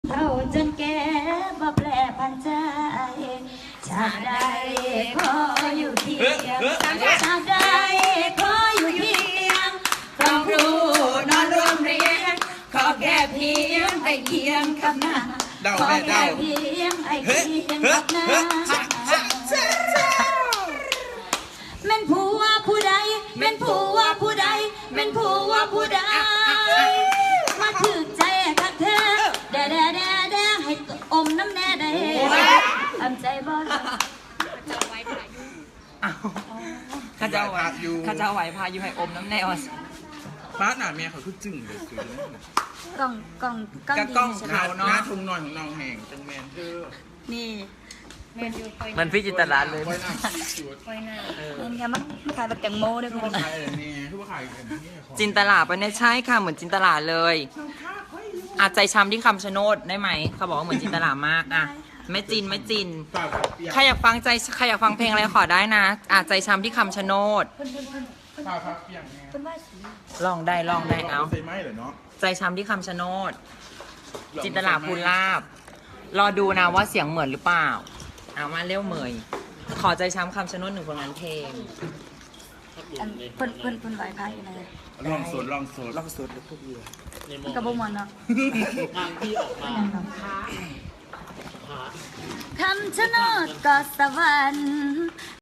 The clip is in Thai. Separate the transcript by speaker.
Speaker 1: เท่าจนแก่บ่แปรพันใจชาติใดขออยู่เคียงชาติใดขออยู่เคียงต้องรู้นอนรวมเรียงขอแค่เพียงไอเคียงกับหน้าขอแค่เพียงไอเคียงกับหน้าแม่นผัวผู้ใดแม่นผัวผู้ใดแม่นผัวผู้ใดมาถึงใจกับเธอแด่ให้อมน้ำแน่ได้ทำใจบ่
Speaker 2: ข้าเจ้าไหวพาอยู่ให้อมน้ำแนว
Speaker 3: ป้าหนาเมียเขาคือจึงเลยคือก
Speaker 1: ล้อง
Speaker 2: กล้อง
Speaker 3: หน้าทุ่งนอนของน้องแห่งจังแมนเธอ
Speaker 1: นี่
Speaker 2: มันพี่จินตลาเลย
Speaker 3: ไว้หน้าชุด
Speaker 1: นี่ค่ะมันขายแบบแตงโมด้วย
Speaker 3: ทุ
Speaker 1: คุ
Speaker 3: ก
Speaker 1: ณ
Speaker 3: คนขายอะไรเนี่ยทุกคนขายกันนี่ของ
Speaker 2: จินตลาปะเนี่ยใช่ค่ะเหมือนจินตลาเลยอาจใจช้ำที่คำชะโนดได้ไหมเขาบอกว่าเหมือนจินตลามากอ่ะไม่จิน
Speaker 3: เปล่าเปียก
Speaker 2: ใครอยากฟังเพลงอะไรขอได้นะอาจใจช้ำที่คำชะโนด
Speaker 3: เปล่าพักเปียกไง
Speaker 1: เป็นว่าสี
Speaker 2: ลองได้เอา
Speaker 3: ใส่ไม้เหรอเนาะ
Speaker 2: ใจช้ำที่คำชะโนดจินตลาภูลาบรอดูนะว่าเสียงเหมือนหรือเปล่าเอามาเร็วเหมยขอใจช้ำคำชะโนดหนึ่งผลงานเพลง
Speaker 1: เพิ่นไหวพายอยู่ไหน
Speaker 3: ลองสด
Speaker 2: ลองสุดหรือพวกเรือ
Speaker 1: กระบอกมันเนาะ
Speaker 4: ทางที่ออกมา
Speaker 1: คำชะโนดก็สวรรค์